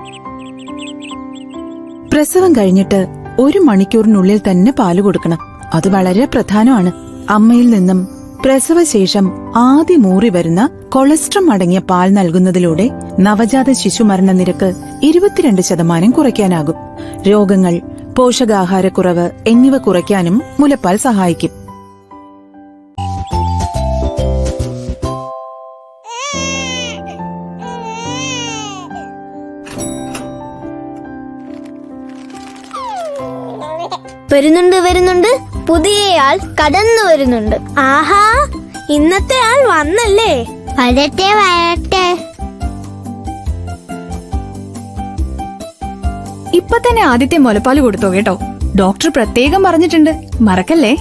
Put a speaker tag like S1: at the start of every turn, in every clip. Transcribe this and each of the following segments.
S1: പ്രസവം കഴിഞ്ഞിട്ട് 1 മണിക്കൂറിനുള്ളിൽ തന്നെ പാല് കൊടുക്കണം. അത് വളരെ പ്രധാനമാണ്. അമ്മയിൽ നിന്നും പ്രസവശേഷം ആദ്യം ഊറി വരുന്ന കൊളസ്ട്രം അടങ്ങിയ പാൽ നൽകുന്നതിലൂടെ നവജാത ശിശുമരണ നിരക്ക് 22% കുറയ്ക്കാനാകും. രോഗങ്ങൾ, പോഷകാഹാരക്കുറവ് എന്നിവ കുറയ്ക്കാനും മുലപ്പാൽ സഹായിക്കും.
S2: വരുന്നുണ്ട് പുതിയയാൾ കടന്നു വരുന്നുണ്ട്.
S3: ആഹാ, ഇന്നത്തെ ആൾ വന്നല്ലേ?
S2: വരട്ടെ.
S4: ഇപ്പൊ തന്നെ ആദ്യത്തെ മുലപ്പാല് കൊടുത്തോ കേട്ടോ. ഡോക്ടർ പ്രത്യേകം പറഞ്ഞിട്ടുണ്ട്, മറക്കല്ലേ.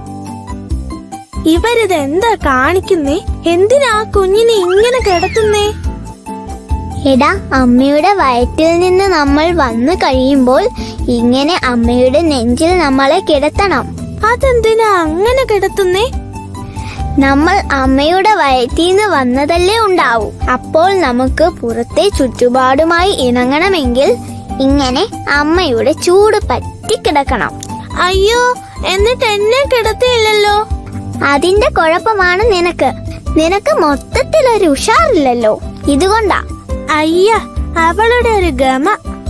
S3: ഇവരിതെന്താ കാണിക്കുന്നേ? എന്തിനാ കുഞ്ഞിനെ ഇങ്ങനെ കിടത്തുന്നേ?
S2: എടാ, അമ്മയുടെ വയറ്റിൽ നിന്ന് നമ്മൾ വന്നു കഴിയുമ്പോൾ ഇങ്ങനെ അമ്മയുടെ നെഞ്ചിൽ നമ്മളെ കിടത്തണം.
S3: അതെന്തിനാ അങ്ങനെ കിടത്തുന്നേ?
S2: നമ്മൾ അമ്മയുടെ വയറ്റിൽ നിന്ന് വന്നതല്ലേ ഉണ്ടാവൂ. അപ്പോൾ നമുക്ക് പുറത്തെ ചുറ്റുപാടുമായി ഇണങ്ങണമെങ്കിൽ ഇങ്ങനെ അമ്മയുടെ ചൂട് പറ്റിക്കിടക്കണം.
S3: അയ്യോ, എന്നിട്ട് എന്നെ കിടത്തിയില്ലല്ലോ.
S2: അതിന്റെ കുഴപ്പമാണ് നിനക്ക് മൊത്തത്തിലൊരു ഉഷാറില്ലല്ലോ. ഇതുകൊണ്ടാ.
S3: അയ്യ, അവളുടെ ഒരു ഗമ.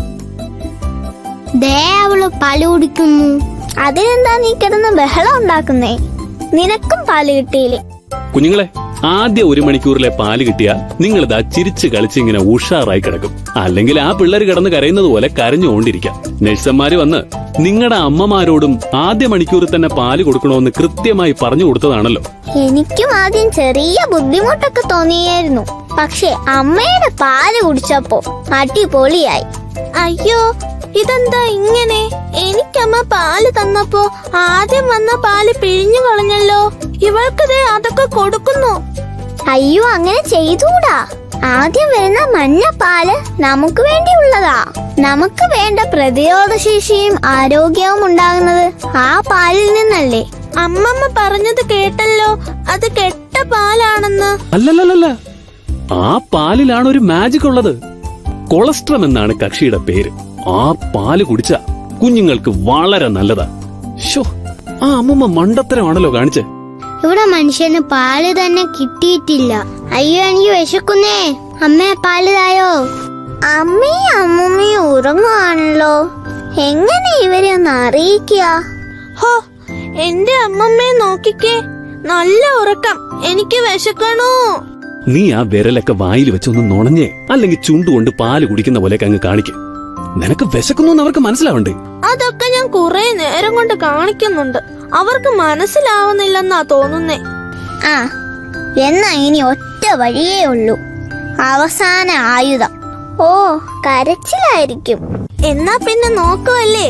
S2: ദേ, അവള് പാല് കുടിക്കുന്നു. അതിനെന്താ നീ കിടന്ന് ബഹളം ഉണ്ടാക്കുന്നേ? നിനക്കും പാല് കിട്ടിയില്ലേ?
S5: കുഞ്ഞുങ്ങളെ, ആദ്യ 1 മണിക്കൂറിലെ പാല് കിട്ടിയാൽ നിങ്ങളിതാ ചിരിച്ച് കളിച്ചിങ്ങനെ ഉഷാറായി കിടക്കും. അല്ലെങ്കിൽ ആ പിള്ളേർ കിടന്ന് കരയുന്നത് പോലെ കരഞ്ഞുകൊണ്ടിരിക്കാം. നഴ്സന്മാര് വന്ന് നിങ്ങളുടെ അമ്മമാരോടും ആദ്യ മണിക്കൂറിൽ തന്നെ പാല് കൊടുക്കണമെന്ന് കൃത്യമായി പറഞ്ഞു കൊടുത്തതാണല്ലോ.
S2: എനിക്കും ആദ്യം ചെറിയ ബുദ്ധിമുട്ടൊക്കെ തോന്നിയായിരുന്നു. പക്ഷെ അമ്മയുടെ പാല് കുടിച്ചപ്പോ അടിപൊളിയായി.
S3: അയ്യോ, ഇതെന്താ ഇങ്ങനെ? എനിക്കമ്മ പാല് തന്നപ്പോ ആദ്യം വന്ന പാല് പിഴിഞ്ഞു കളഞ്ഞല്ലോ. ഇവൾക്കതേ അതൊക്കെ കൊടുക്കുന്നു.
S2: അയ്യോ, അങ്ങനെ ചെയ്തൂടാ. ആദ്യം വരുന്ന മഞ്ഞ പാല് നമുക്ക് വേണ്ടിയുള്ളതാ. നമുക്ക് വേണ്ട പ്രതിരോധശേഷിയും ആരോഗ്യവും ഉണ്ടാകുന്നത് ആ പാലിൽ നിന്നല്ലേ.
S3: അമ്മമ്മ പറഞ്ഞത് കേട്ടല്ലോ, അത് കെട്ട പാലാണെന്ന്.
S5: അല്ലല്ല, ആ പാലിലാണ് ഒരു മാജിക് ഉള്ളത്. കൊളസ്ട്രം എന്നാണ് കക്ഷിയുടെ പേര്. ആ പാല് കുടിച്ച കുഞ്ഞുങ്ങൾക്ക് വളരെ നല്ലതാ. ശോ, ആ അമ്മമ്മ മണ്ടത്തരമാണല്ലോ കാണിച്ചേ.
S2: ഇവിടെ മനുഷ്യന് പാല് തന്നെ കിട്ടിയിട്ടില്ല. അയ്യോ, എനിക്ക് വിശക്കുന്നേ. അമ്മേ, പാല് തായോ. അമ്മയും അമ്മൂമ്മയും ഉറങ്ങുവാണല്ലോ. എങ്ങനെ ഇവരെ ഒന്ന് അറിയിക്കുക?
S3: ഹോ, എന്റെ അമ്മമ്മയെ നോക്കിക്കേ, നല്ല ഉറക്കം. എനിക്ക് വിശക്കണോ?
S5: നീ ആ വിരലൊക്കെ വായിൽ വെച്ചൊന്ന് നുണഞ്ഞേ, അല്ലെങ്കിൽ ചുണ്ടുകൊണ്ട് പാല് കുടിക്കുന്ന പോലെ അങ്ങ് കാണിക്കും. നിനക്ക് വിശക്കുന്നു അവർക്ക് മനസ്സിലാവണ്ടേ?
S3: അതൊക്കെ ഞാൻ കുറെ നേരം കൊണ്ട് കാണിക്കുന്നുണ്ട്. അവർക്ക് മനസ്സിലാവുന്നില്ലെന്നാ തോന്നുന്നേ.
S2: ആ, എന്നാ ഇനി ഒറ്റ വഴിയേ ഉള്ളൂ. അവസാന ആയുധം. ഓ, കരച്ചിലായിരിക്കും.
S3: എന്നാ പിന്നെ നോക്കുവല്ലേ.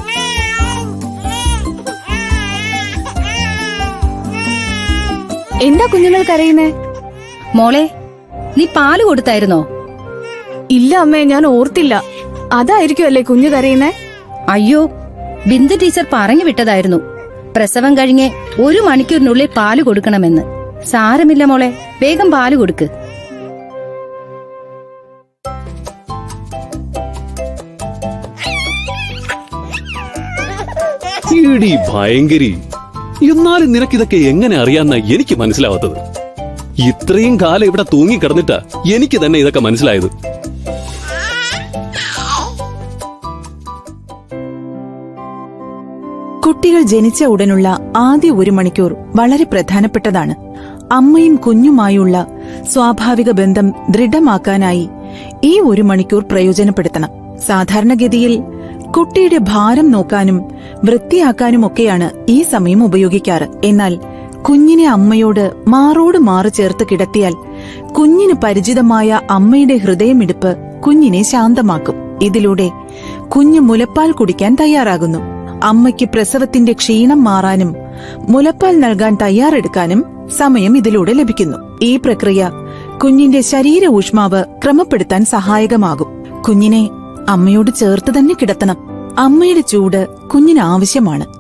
S4: എന്താ കുഞ്ഞുങ്ങൾ കരയുന്നേ? മോളെ, നീ പാല് കൊടുത്തായിരുന്നോ?
S6: ഇല്ല അമ്മേ, ഞാൻ ഓർത്തില്ല. അതായിരിക്കുമല്ലേ കുഞ്ഞു കരയുന്നേ?
S4: അയ്യോ, ബിന്ദു ടീച്ചർ പറഞ്ഞു വിട്ടതായിരുന്നു. പ്രസവം കഴിഞ്ഞ് 1 മണിക്കൂറിനുള്ളിൽ പാല് കൊടുക്കണമെന്ന്. സാരമില്ല മോളെ, വേഗം പാല് കൊടുക്ക്.
S5: ഭയങ്കരി, എന്നാലും നിനക്കിതൊക്കെ എങ്ങനെ അറിയാന്ന എനിക്ക് മനസ്സിലാവാത്തത്. ഇത്രയും കാലം ഇവിടെ തൂങ്ങിക്കിടന്നിട്ടാ എനിക്ക് തന്നെ ഇതൊക്കെ മനസ്സിലായത്.
S1: കുട്ടികൾ ജനിച്ച ഉടനുള്ള ആദ്യ 1 മണിക്കൂർ വളരെ പ്രധാനപ്പെട്ടതാണ്. അമ്മയും കുഞ്ഞുമായുള്ള സ്വാഭാവിക ബന്ധം ദൃഢമാക്കാനായി ഈ 1 മണിക്കൂർ പ്രയോജനപ്പെടുത്തണം. സാധാരണഗതിയിൽ കുട്ടിയുടെ ഭാരം നോക്കാനും വൃത്തിയാക്കാനുമൊക്കെയാണ് ഈ സമയം ഉപയോഗിക്കാറ്. എന്നാൽ കുഞ്ഞിനെ അമ്മയോട് മാറോട് മാറ് ചേർത്ത് കിടത്തിയാൽ കുഞ്ഞിന് പരിചിതമായ അമ്മയുടെ ഹൃദയമിടിപ്പ് കുഞ്ഞിനെ ശാന്തമാക്കും. ഇതിലൂടെ കുഞ്ഞ് മുലപ്പാൽ കുടിക്കാൻ തയ്യാറാകുന്നു. അമ്മയ്ക്ക് പ്രസവത്തിന്റെ ക്ഷീണം മാറാനും മുലപ്പാൽ നൽകാൻ തയ്യാറെടുക്കാനും സമയം ഇതിലൂടെ ലഭിക്കുന്നു. ഈ പ്രക്രിയ കുഞ്ഞിന്റെ ശരീര ഊഷ്മാവ് ക്രമപ്പെടുത്താൻ സഹായകമാകും. കുഞ്ഞിനെ അമ്മയോട് ചേർത്ത് തന്നെ കിടത്തണം. അമ്മയുടെ ചൂട് കുഞ്ഞിന് ആവശ്യമാണ്.